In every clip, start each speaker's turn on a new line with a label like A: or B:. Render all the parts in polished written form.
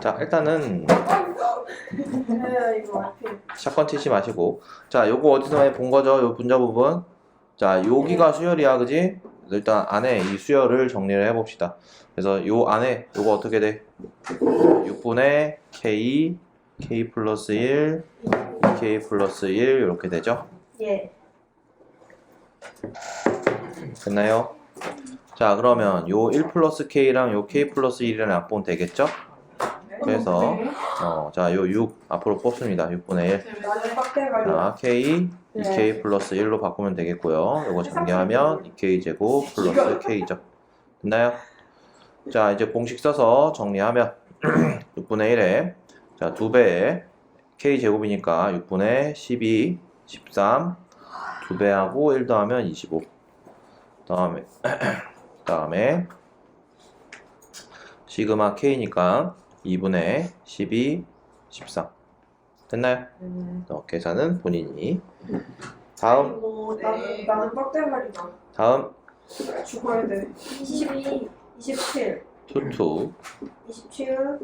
A: 자, 일단은
B: 이거 앞에
A: 샷건 치지 마시고, 자, 요거 어디서 많이 본 거죠? 요 분자 부분. 자, 여기가 수열이야, 그지? 그래서 일단 안에 이 수열을 정리를 해봅시다. 그래서 요 안에 요거 어떻게 돼? 6분의 k, k 플러스 1, k 플러스 1 이렇게 되죠?
B: 예.
A: 됐나요? 자, 그러면 요 1 플러스 k랑 요 k 플러스 1이라는 약분 되겠죠? 그래서 자, 요 6 앞으로 뽑습니다. 6분의 1. 자, k 2k 플러스 1로 바꾸면 되겠고요. 요거 정리하면 2k 제곱 플러스 k죠. 됐나요? 자, 이제 공식 써서 정리하면 6분의 1에 자, 2배에 k 제곱이니까 6분의 12, 13 2배하고 1 더하면 25. 다음에 시그마 k니까 2분의 12, 13 됐나요? 계산은 본인이. 다음
B: 나는 빡대가리다.
A: 다음
B: 죽어야 돼. 22, 27,
A: 투투
B: 27,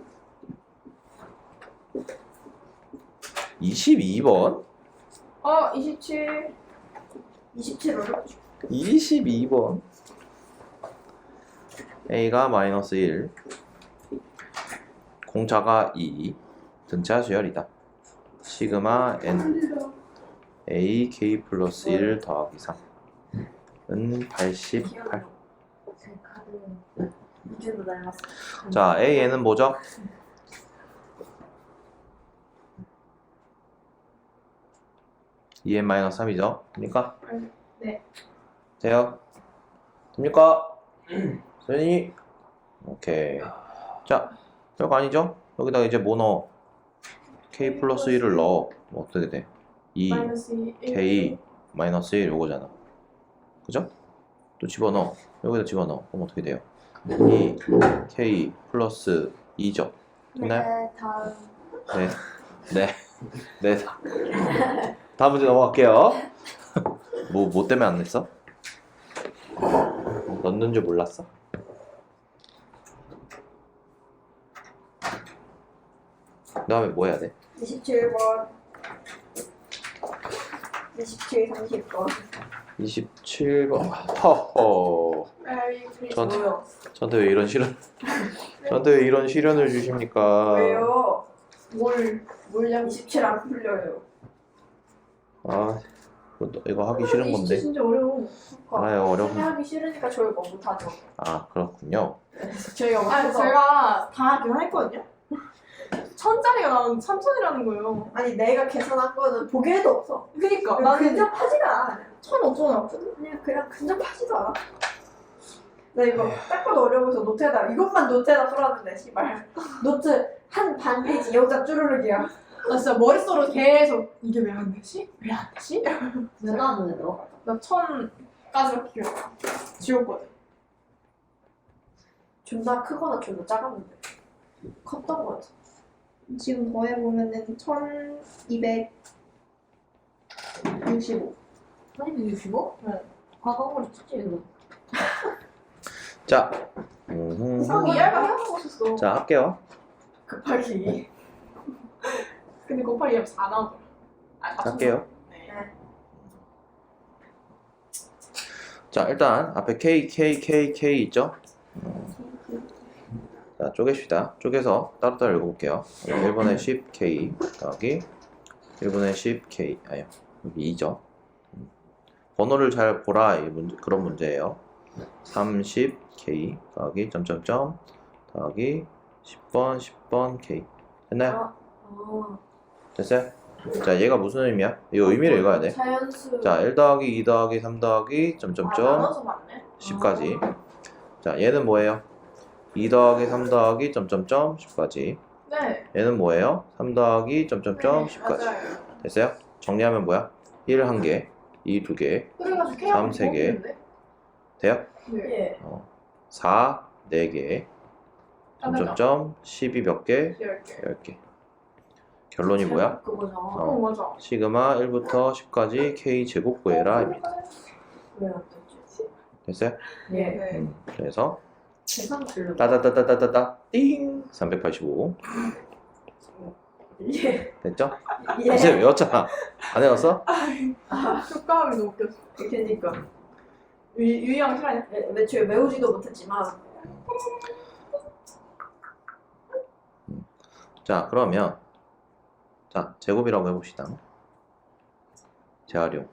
A: 22번
B: 27, 27 어렵지.
A: 22번 a가 마이너스 1 공차가 2 등차 수열이다. 시그마 n a k 플러스 1 더하기 3은 88.
B: 문제도 닮았어.
A: 자, AN은 뭐죠? EN-3이죠? 됩니까?
B: 네.
A: 돼요? 됩니까? 선생님? 오케이. 자, 별거 아니죠? 여기다가 이제 뭐 넣어? K 플러스 1을 넣어. 뭐 어떻게 돼? 2, K 마이너스 1 요거잖아. 그죠? 또 집어넣어. 여기다 집어넣어. 그럼 어떻게 돼요? 2, K 플러스 2죠. 됐나요?
B: 네, 다음.
A: 네. 다음 문제 넘어갈게요. 뭐 때문에 안 냈어? 넣는 줄 몰랐어? 그 다음에 뭐 해야 돼?
B: 27번. 27, 30번.
A: 27번. 허허. 저한테 왜 이런 시련? 저한테 왜 이런 시련을 주십니까?
B: 왜요? 물량 27 안 풀려요.
A: 아, 이거 하기 싫은 건데.
B: 진짜 어려워.
A: 알아요, 어려운.
B: 하기 싫으니까 저희가 못하죠.
A: 아, 그렇군요.
B: 저희가
C: 제가 다 계산했거든요. 1000짜리가 나오면 3000이라는 거예요.
B: 아니 내가 계산한 거는 보기에도 없어.
C: 그니까
B: 나는
C: 나는
B: 근접하지가 않아.
C: 1500원 나왔거든.
B: 그냥 근접하지도 않아. 나 이거 딱 봐도 어려워서 노트에다 이것만 노트에다 풀었는데 씨발 노트 한 반 페이지 여기다 쭈루룩이야.
C: 나 진짜 머릿속으로 계속 이게 왜 안 되지? 왜 안 되지?
D: 왜 나왔는데 너?
C: 나 1000까지밖에 기억 안 나. 지웠거든.
B: 존나 크거나 존나 작았는데 컸던 거 같아.
C: 지금 더해보면은 1265.
D: 1265?
C: 네.
D: 과거로 찍지 이거.
A: 자,
C: 이상 이해가 해보고 있었어.
A: 자, 할게요.
B: 급하기.
C: 근데 곱하기 2하면 4 나오더라.
A: 할게요.
C: 네.
A: 자, 일단 앞에 K 있죠? 자, 쪼개시다. 쪼개서 따로따로 읽어볼게요. 1분의 10K 더하기 1분의 10K 아니요, 여기 2죠. 번호를 잘 보라, 그런 문제예요. 30K 더하기 점점점 더하기 10번 K 됐나요? 됐어요? 자, 얘가 무슨 의미야? 이 의미를 읽어야 돼.
B: 자연수.
A: 자, 1 더하기 2 더하기 3 더하기 점점점
C: 나눠서 맞네.
A: 10까지. 자, 얘는 뭐예요? 2 더하기 3 더하기 점점점 10까지.
C: 네.
A: 얘는 뭐예요? 3 더하기 점점점 10까지.
C: 맞아요.
A: 됐어요? 정리하면 뭐야? 1 1개, 2 2개,
C: 그래가지고
A: 3
C: K하고
A: 3개. 돼요?
C: 네.
B: 예.
A: 4 4개, 점점점 12 몇 개? 10개. 결론이 뭐야?
B: 그거잖아.
C: 맞아.
A: 시그마 1부터 10까지 K 제곱 구해라 입니다.
B: 왜안 되지?
A: 됐어요?
B: 예.
C: 네.
A: 그래서
D: 계산 틀려.
A: 따다다다다다다 띵 385
B: 예.
A: 됐죠?
B: 예.
A: 이제 외웠잖아. 안 외웠어?
C: 효과음이 너무 웃겼어.
B: 그러니까
C: 유희양 시간이
B: 애초에 외우지도 못했지만
A: 자 그러면 자 제곱이라고 해봅시다. 재활용.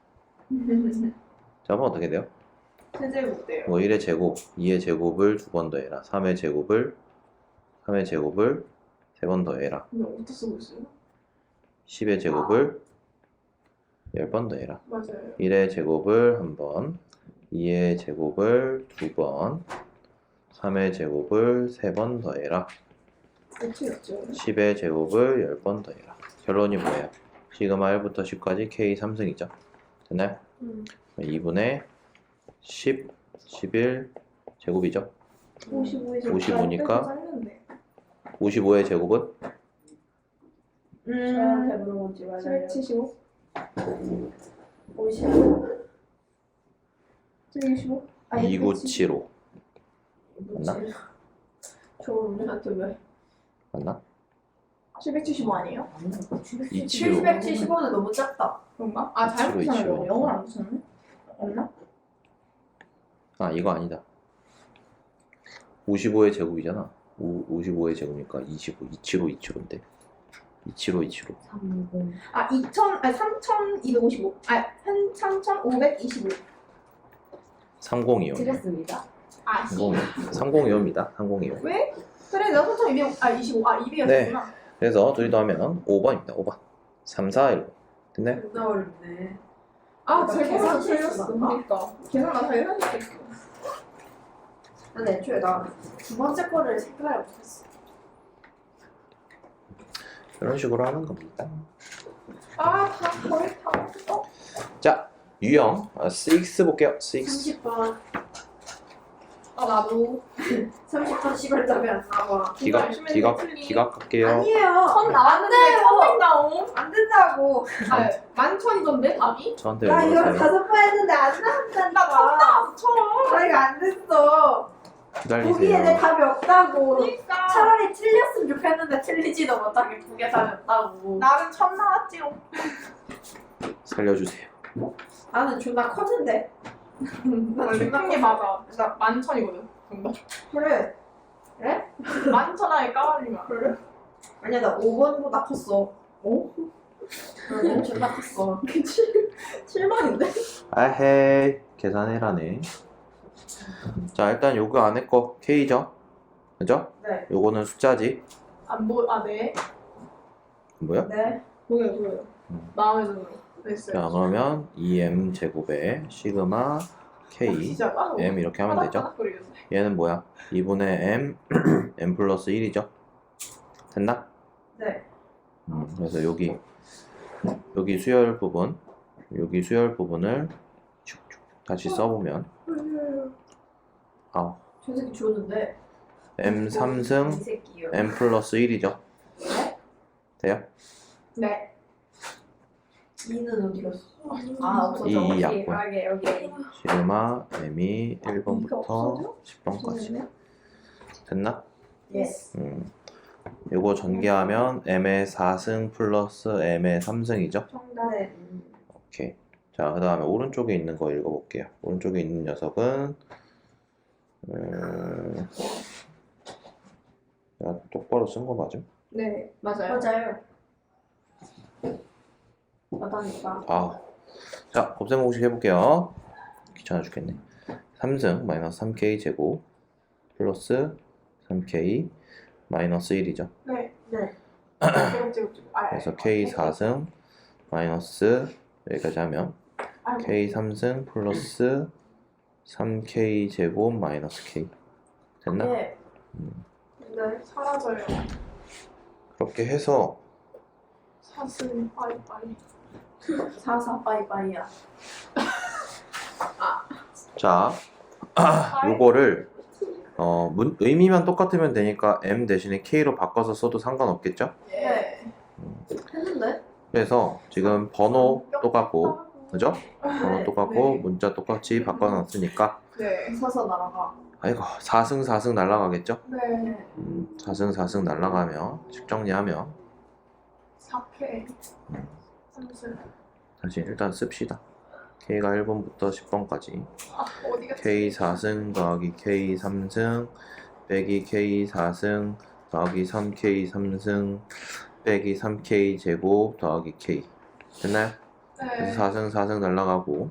A: 자 그럼 어떻게 돼요?
C: 세제곱 돼요.
A: 뭐 1의 제곱, 2의 제곱을 2번 더해라. 3의 제곱을 3번 더해라.
C: 근데 어디서 쓰고 있어요?
A: 10의 제곱을 10번 더해라.
C: 맞아요.
A: 1의 제곱을 1번, 2의 제곱을 2번, 3의 제곱을 3번 더해라.
C: 어떻게였죠?
A: 10의 제곱을 10번 더해라. 결론이 뭐예요? 시그마 1부터 10까지 K 3승이죠. 됐나요? 2분의 10, 11 제곱이죠.
B: 55의
A: 55니까 55의 제곱은
B: 저한테 물어보지 말아요.
C: 775?
B: 55.
C: 725?
A: 2975 맞나?
B: 저 우리한테 왜?
A: 맞나?
C: 775 아니에요?
A: 275
B: 775는 너무 작다.
C: 그런가? 아, 잘못
A: 725.
C: 붙였네. 영어를 안 붙였네? 없나?
A: 아 이거 아니다. 55의 제곱이잖아. 55의 제곱이니까 25, 275인데 275.
D: 30.
C: 아, 3255. 아, 3525.
A: 3025.
D: 드렸습니다.
C: 아, 씨.
A: 3025입니다. 3025.
C: 왜? 그래, 내가 3225. 아, 25. 아, 200이었구나.
A: 네. 그래서 둘이 더하면 5번입니다. 5번. 3, 4, 1. 됐네?
B: 존나 어렵네.
C: 아,
B: 나
C: 제 계산
B: 계산
C: 틀렸어.
B: 실수인가?
C: 그러니까. 계산 나 잘 해야겠어.
B: 근데 애초에 나 두 번째 거를 생각을 못했어.
A: 이런 식으로 하는 겁니다.
C: 아, 거의 다.
A: 자, 유형 6 볼게요. 6.
B: 30번.
C: 아, 나도.
B: 30번 씹을 답이 안 나와.
A: 기각 할게요.
B: 아니에요.
C: 선 나왔는데, 선생 나옴.
B: 안 된다고.
C: 아, 만천이던데, 답이?
A: 저한테
B: 나
A: 왜
B: 이거
A: 물어보세요?
B: 5번 했는데 안 나온다니까.
C: 나왔어, 처음.
B: 나 이거 안 됐어. 보기에 내
A: 기다리세요.
B: 답이 없다고.
C: 그러니까.
B: 차라리 틀렸으면 좋겠는데 틀리지도 못하게 두 개 답이 없다고.
C: 나는 천 나왔지롱.
A: 살려주세요.
B: 나는 존나 컸는데. 나
C: 원래
B: 존나
C: 큰게 맞아. 나 만천이거든. 정답.
B: 그래.
C: 만천하에 까발리면.
B: 그래? 아니야 나 5번보다 컸어. 어? 난 존나 컸어.
C: 7만인데?
A: 아헤이 계산해라네. 자 일단 요거 안에 거 K죠? 그죠?
B: 네.
A: 요거는 숫자지.
C: 아, 네.
A: 뭐야?
B: 네.
C: 보여요. 마음에 들어요. 됐어요.
A: 자 그러면 2M 제곱에 시그마 K
C: 진짜 까고.
A: M 이렇게 하면 되죠?
C: 파닥파닥거리겠네.
A: 얘는 뭐야? 2분의 M M 플러스 1이죠? 됐나?
B: 네.
A: 그래서 여기 수열 부분을 축축 다시 써보면 아
B: 저 새끼 좋은데.
A: M
B: 이
A: 3승
B: 새끼요.
A: M 플러스 1이죠? 돼요?
C: 네.
B: 2는 어디 갔어? 아 없어져.
A: 이 약분.
B: 여기.
A: 시그마 M이
C: 이거
A: 1번부터
C: 없어져?
A: 10번까지 됐나?
B: 예스.
A: 요거 전개하면 M의 4승 플러스 M의 3승이죠?
C: 정답.
B: 네.
A: 오케이. 자, 그 다음에 오른쪽에 있는 거 읽어볼게요. 오른쪽에 있는 녀석은 야, 똑바로 쓴 거 맞음?
C: 네, 맞아요.
B: 맞아요. 맞다니까.
A: 아, 자, 곱셈 공식 해볼게요. 귀찮아 죽겠네. 3승 마이너스 3k 제곱 플러스 3k 마이너스 1이죠.
C: 네.
B: 네.
C: 제곱. 아,
A: 그래서 k 4승 마이너스 여기까지 하면 k 3승 플러스 3k 제곱 마이너스 k 됐나?
B: 네.
C: 네, 사라져요.
A: 그렇게 해서
C: 사슴 빠이빠이.
B: 44 빠이빠이야.
A: 자 요거를 의미만 똑같으면 되니까 m 대신에 k로 바꿔서 써도 상관없겠죠?
C: 네.
B: 했는데?
A: 그래서 지금 번호 똑같고 그죠? 번호
B: 네.
A: 똑같고
C: 네.
A: 문자 똑같이 바꿔놨으니까
C: 네.
B: 서서 날아가.
A: 아이고 4승 4승 날라가겠죠?
C: 네.
A: 4승 4승 날라가면 식 정리하면
C: 4K. 30.
A: 다시 일단 씁시다. K가 1번부터 10번까지
C: 아, 어디 갔지?
A: K 4승 더하기 K 3승 빼기 K 4승 더하기 3K 3승 빼기 3K 제곱 더하기 K 됐나요?
C: 네.
A: 그래서 4승 4승 날라가고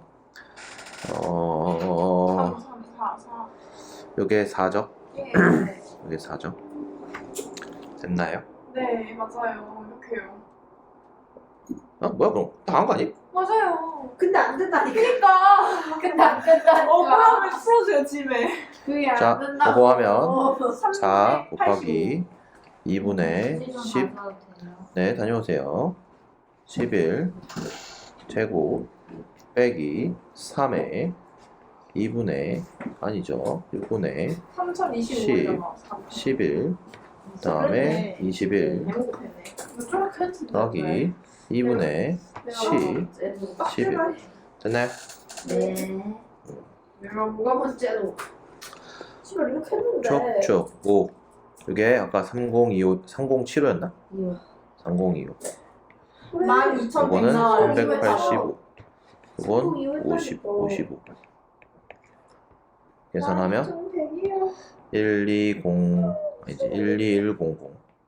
C: 3, 3, 4, 4.
A: 요게 4죠?
C: 예.
A: 요게 4죠? 됐나요?
C: 네, 맞아요. 이렇게요.
A: 뭐야 그럼 다 한 거 아니?
C: 맞아요.
B: 근데 안 된다니까.
C: 그니까.
D: 근데 안 된다니까.
C: 그러면 풀어줘요, 집에.
B: 그게 안
A: 자
B: 된다.
A: 그거 하면
B: 어,
A: 4 곱하기 2분의 10
D: 10.
A: 네, 다녀오세요. 11 제곱 빼기 3의 2분의 아니죠. 6분의
C: 3025잖아.
A: 11 다음에 21
C: 배고프네. 이렇게 했지.
A: 더하기 2분의 10 11 됐나요?
D: 네.
B: 내가 뭐가 문제로? 씨발 이렇게 했는데.
A: 축축 5 이게 아까 3025 3075였나?
D: 이거.
A: 3025
C: 12,100
A: 이거는
C: 나와요.
A: 385 이건
B: 이거
A: 50 55 계산하면
B: 12,100이요.
A: 120 아니지 12100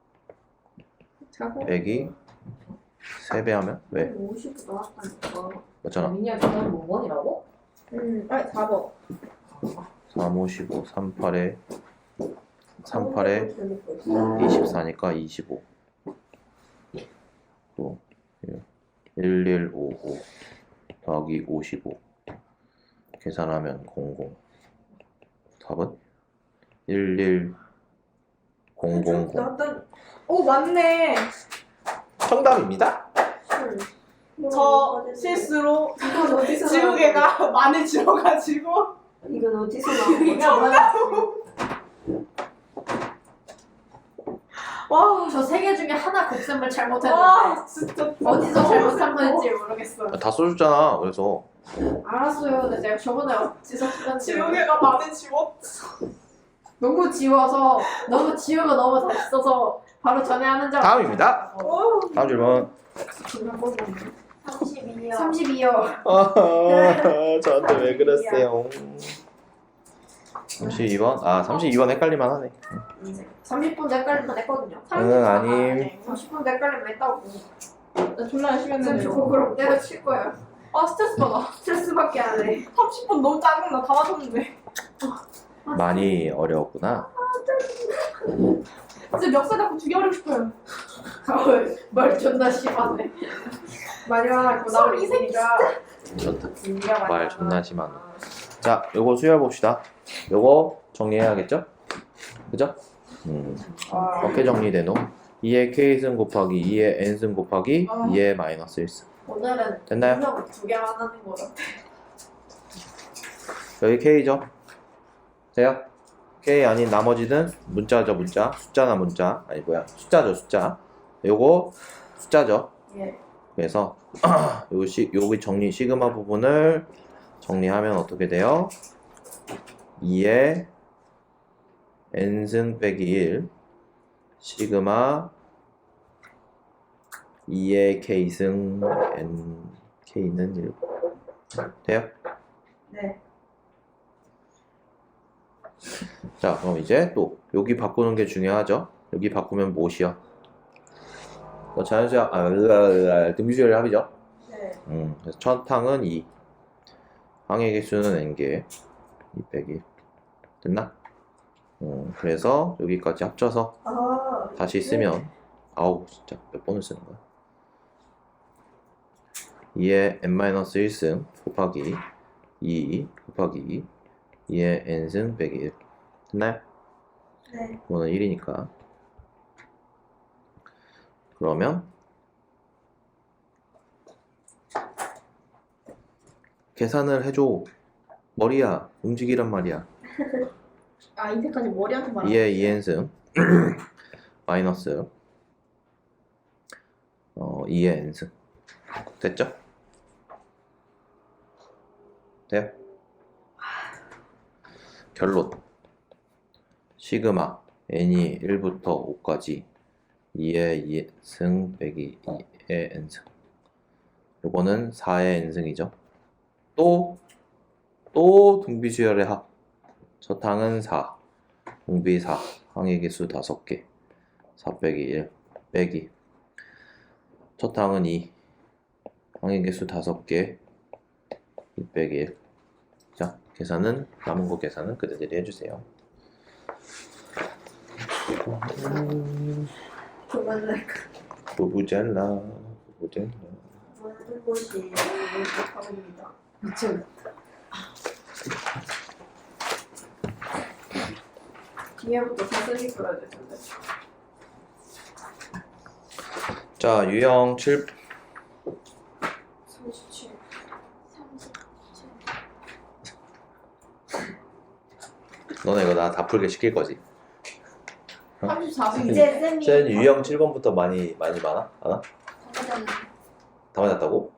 B: 자고.
A: 빼기 3배 하면 왜?
B: 50 나왔다니까.
A: 맞잖아.
D: 민이야 계단 5번이라고?
B: 아니 4번.
A: 3, 5, 15, 38에 38에 24니까 25 또 1155 더하기 55 계산하면 00 답은 11000
B: 나왔다니.
C: 오, 맞네.
A: 정답입니다.
C: 저 실수로
B: 이건 어디서
C: 지우개가 많이 지워가지고.
B: 이건 어디서 나온
C: 지우개가
B: 거야?
C: 많아지고. 와,
D: 저 세 개 중에 하나 곱셈을 잘못했는데
C: 와, 진짜.
D: 어디서 잘못한 건지 모르겠어요.
A: 다 써줬잖아. 그래서
D: 알았어요. 근데 제가 저번에 어디서 썼는지
C: 지우개가 많이 지웠어.
D: 너무 지워서 너무 지우고 너무 다시 써서 바로 전에 하는 줄
A: 다음입니다.
C: 오.
A: 다음 질문.
B: 32요.
D: 32요.
A: 저한테 왜 그랬어요? 32번? 아 32번 헷갈릴만 하네.
B: 30분 헷갈리면 했거든요.
A: 응 아님.
B: 30분 헷갈리면 했다고.
C: 나 존나 열심히 했는데.
B: 30분 그럼 때려칠 거야.
C: 아, 스트레스 받아.
B: 스트레스밖에 안 해.
C: 30분 너무 짜증나. 다 맞췄는데.
A: 많이 어려웠구나.
C: 진짜 멱살 잡고 죽여버리고 싶어요.
B: 말 존나 심하네. 많이 화났구나 우리
C: 이 새끼
B: 이가.
A: 좋다. 말 존나 심하네. 자, 요거 수혈 봅시다. 요거 정리해야겠죠? 그죠? 어떻게 정리되노? 2의 k승 곱하기 2의 n승 곱하기 2의 마이너스 1승.
B: 오늘은
A: 됐나요?
B: 분명 두 개만 하는 거라.
A: 여기 k죠? 돼요? k 아닌 나머지는 문자죠, 문자. 숫자나 문자. 아니 뭐야, 숫자죠, 숫자. 요거 숫자죠.
B: 예.
A: 그래서 여기 정리 시그마 부분을 정리하면 어떻게 돼요? 2의 n승 빼기 1 시그마 2의 k승 n k는 1 돼요?
B: 네.
A: 자 그럼 이제 또 여기 바꾸는 게 중요하죠. 여기 바꾸면 무엇이요? 자연수야 등비수열의 합이죠.
B: 네.
A: 그래서 첫 항은 2 항의 개수는 n개 2 빼기 됐나? 그래서 여기까지 합쳐서
B: 아.
A: 다시 쓰면 아우 진짜 몇 번을 쓰는 거야? 2의 n-1승 곱하기 2 곱하기 2의 n승 빼기 1 됐나요?
B: 네.
A: 이거는 1이니까 그러면 계산을 해줘. 머리야 움직이란 말이야.
C: 아, 이때까지 머리한테 말하는
A: 2의 2n승 마이너스 2의 n승 됐죠? 돼요? 결론 시그마 n이 1부터 5까지 2의 승 빼기 2의 n승. 요거는 4의 n승이죠. 또 등비수열의 합. 저탕은 4, 공비 4, 항의 개수 5개, 4 빼기 1 빼기. 저탕은 2, 항의 개수 5개, 2 빼기 1. 자, 계산은 남은 거 계산은 그대들이 해주세요.
B: 그만할까?
A: 부부젤라.
B: 모든 곳이 합니다.
D: 미쳐.
B: 뒤에부터 사슬이 끌어야 되는데.
A: 자, 유형 7.
B: 37.
A: 너네 이거 나 다 풀게 시킬 거지?
C: 34분.
B: 이제 쌤이
A: 쟤는 유형 7번부터 많이 많아? 안 다 맞았다고?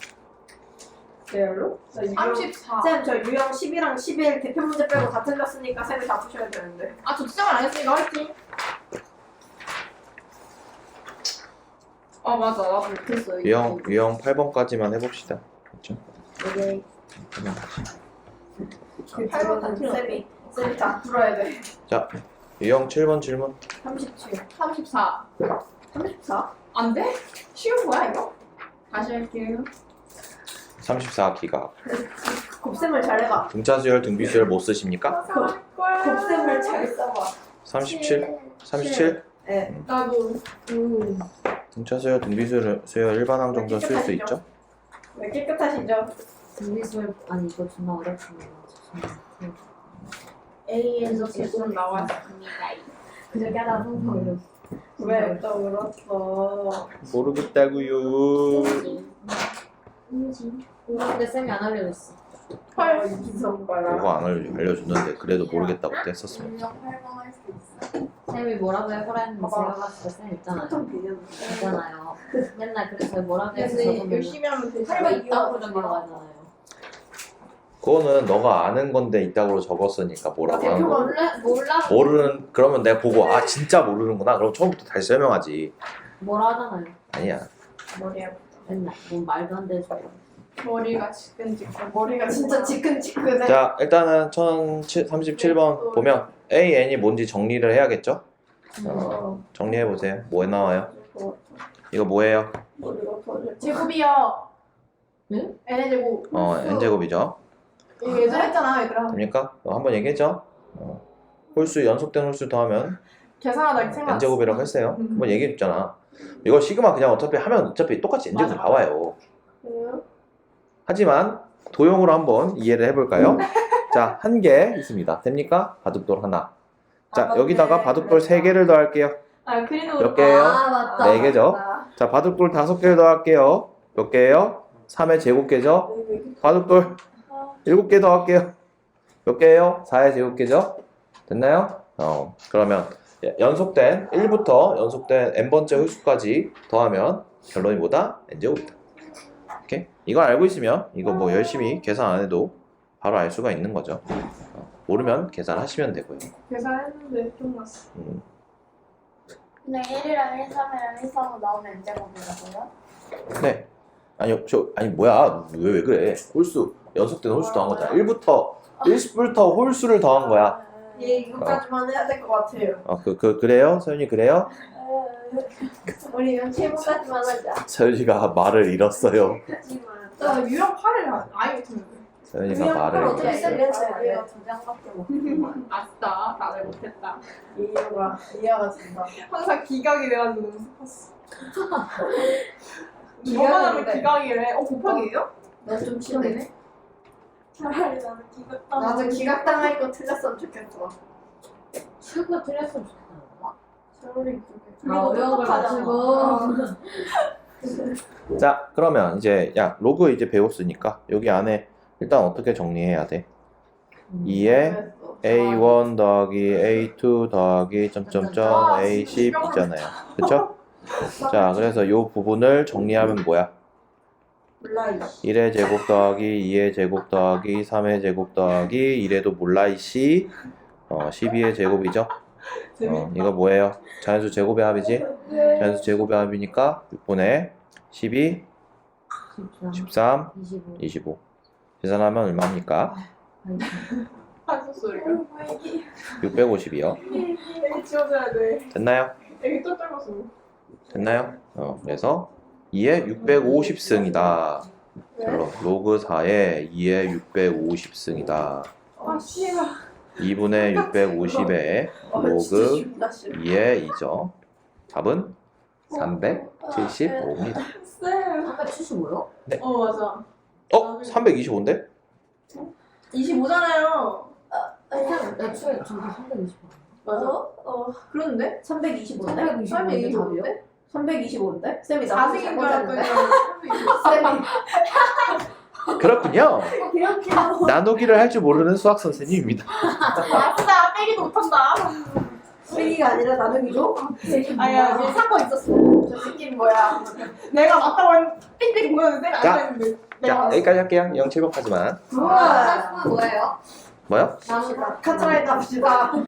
B: 레알로?
C: 34.
B: 쌤, 저 유형 10이랑 11 대표 문제 빼고 다 틀렸으니까 쌤이 다 푸셔야 되는데.
C: 아, 저 수정을 안 했으니까 화이팅. 아, 맞아. 나도 못했어.
A: 유형 8번까지만 해봅시다. 그렇죠?
B: 오케이.
C: 8번 다 틀렸어.
B: 쌤이 다 풀어야 돼.
A: 자, 유형 7번 질문.
B: 37.
C: 34.
B: 34?
C: 안 돼? 쉬운 거야, 이거? 다시 할게요.
A: 34기가.
B: 곱셈을 잘 해봐.
A: 등차수열, 등비수열 못 쓰십니까?
B: 곱셈을 잘 써봐.
A: 37? 37?
B: 네.
C: 나도.
A: 등차수열, 등비수열 일반항 정도 쓸 수 있죠?
B: 왜 깨끗하시죠?
E: 등비술 아니 이거 존나 어렵습니다.
C: A에서 계속 나왔습니다.
E: 그저께 하나 항상 어려웠어.
B: 왜 또 울었어?
A: 모르겠다고요.
E: 근데 쌤이 안 알려줬어.
C: 헐.
B: 이성 봐라.
A: 그거 안 알려줬는데 그래도 모르겠다고 했었으면.
C: 유형 8번 할 수 있어.
E: 쌤이 뭐라고 해보라 했는데 제가 봤을 때 쌤 있잖아요.
B: 좀 비는.
E: 있잖아요. 맨날 그래서 뭐라고 해서
C: 근데
E: 적으면
C: 열심히 하면 되지.
E: 할거 있다고 적으라고 하잖아요.
A: 그거는 너가 아는 건데 이따구로 적었으니까 뭐라고 하는 거.
E: 몰라
A: 모르는, 그러면 내가 보고 아 진짜 모르는구나 그럼 처음부터 다시 설명하지.
E: 뭐라 하잖아요.
A: 아니야.
B: 머리 아프다.
E: 맨날 뭔 말도 안 되죠.
C: 머리가 지끈지끈.
B: 머리가 진짜 지끈지끈해.
A: 자, 일단은 1037번 보면 A, N이 뭔지 정리를 해야겠죠? 정리해보세요. 뭐 나와요? 이거 뭐예요?
B: 머리가 터져.
C: 제곱이요.
E: 응?
C: N의 제곱.
A: N제곱이죠.
C: 이거 예전에 했잖아, 얘들아.
A: 됩니까? 한번 얘기했죠? 홀수, 연속된 홀수 더하면
C: 계산하다 생각.
A: N제곱이라고 했어요. 한번 얘기해줬잖아. 이거 시그마 그냥 어차피 하면 어차피 똑같이 N제곱
C: 맞아.
A: 나와요.
B: 그래요?
A: 하지만 도형으로 한번 이해를 해볼까요? 자, 한 개 있습니다. 됩니까? 바둑돌 하나. 자, 여기다가 바둑돌 3개를 더할게요.
C: 아, 그리고
A: 몇 개예요?
E: 아 맞다.
A: 4개죠. 자, 바둑돌 5개를 더할게요. 몇 개예요? 3의 제곱개죠. 바둑돌 7개 더할게요. 몇 개예요? 4의 제곱개죠. 됐나요? 그러면 연속된 1부터 연속된 n번째 홀수까지 더하면 결론이 뭐다? n제곱이다. 오케이? 이걸 알고 있으면 이거 뭐 열심히 계산 안 해도 바로 알 수가 있는 거죠. 모르면 계산하시면 되고요.
C: 계산했는데 좀 났어.
F: 근데 1이랑 1, 3이랑 1, 4가 나오면 N제곱이라고요?
A: 네. 아니 뭐야? 왜 그래? 홀수 연속된 홀수 더한 거잖아. 1부터 홀수를 더한 거야.
B: 얘 이거까지만 해야 될 것 같아요.
A: 그래요? 서윤이 그래요?
B: 우리 이건 7번까지만 하자.
A: 서윤이가 말을 잃었어요.
B: 하지만.
C: 나 유형 8을 아예 못했는데.
A: 서윤이가 말을
B: 어떻게
A: 잃었어요.
B: 쓰겠어요?
F: 우리가 2장밖에 못
C: 아싸, 나를 못했다.
B: 이해가 된다.
C: 항상 기각이 돼가지고 너무 슬펐어.
B: 기각이
C: 이거만 하면
B: 돼.
C: 기각이래. 곱하기예요?
B: 나좀 싫네. 차라리 나는 기각당. 나도 기각당할 거 틀렸으면 좋겠어.
E: 친구가 틀렸으면 좋겠다.
B: 차라리 그게.
E: 아 어려운 걸 가지고.
A: 자, 그러면 이제 로그 이제 배웠으니까 여기 안에 일단 어떻게 정리해야 돼? 2에 A1 더하기 A2 더하기 점점점 A10 있잖아요. 그쵸? 자, 그래서 요 부분을 정리하면 뭐야?
B: 몰라.
A: 1의 제곱 더하기 2의 제곱 더하기 3의 제곱 더하기 1에도 몰라 이씨 12의 제곱이죠. 이거 뭐예요? 자연수 제곱의 합이지? 자연수 제곱의 합이니까 6분의 12, 13,
E: 25.
A: 25. 계산하면 얼마입니까?
C: 한숨 소리가.
A: 650이요.
C: 애기 지워줘야 돼.
A: 됐나요?
C: 애기 또 떨궜어.
A: 됐나요? 그래서 2의 650승이다. 로그 4의 2의 650승이다.
B: 아 씨발.
A: 2분의 650의 로그 2의 2죠. 답은 375입니다.
C: 쌤.
E: 375요?
C: 맞아.
A: 325인데?
C: 25잖아요.
E: 애초에 저기 325.
C: 맞아. 그런데?
B: 325인데?
E: 325인데
B: 325인데? 쌤이 나보고
C: 4승인 줄 알았더니
B: 쌤이
A: 그렇군요.
B: 그렇게 하고
A: 나누기를 할 줄 모르는 수학 선생님입니다.
C: 아싸 빼기도 못한다.
B: 쓰기가 아니라 나누기죠?
C: 아야 얘 사고 있었어.
B: 저 새끼는 뭐야?
C: 내가 맞다고 했는데 삑삑 보였는데 안
A: 자.
C: 했는데.
A: 자, 여기까지 할게요. 0,700하지만.
B: 우와.
E: 뭐예요?
A: 뭐요?
B: 갑시다. 카트라이드 합시다.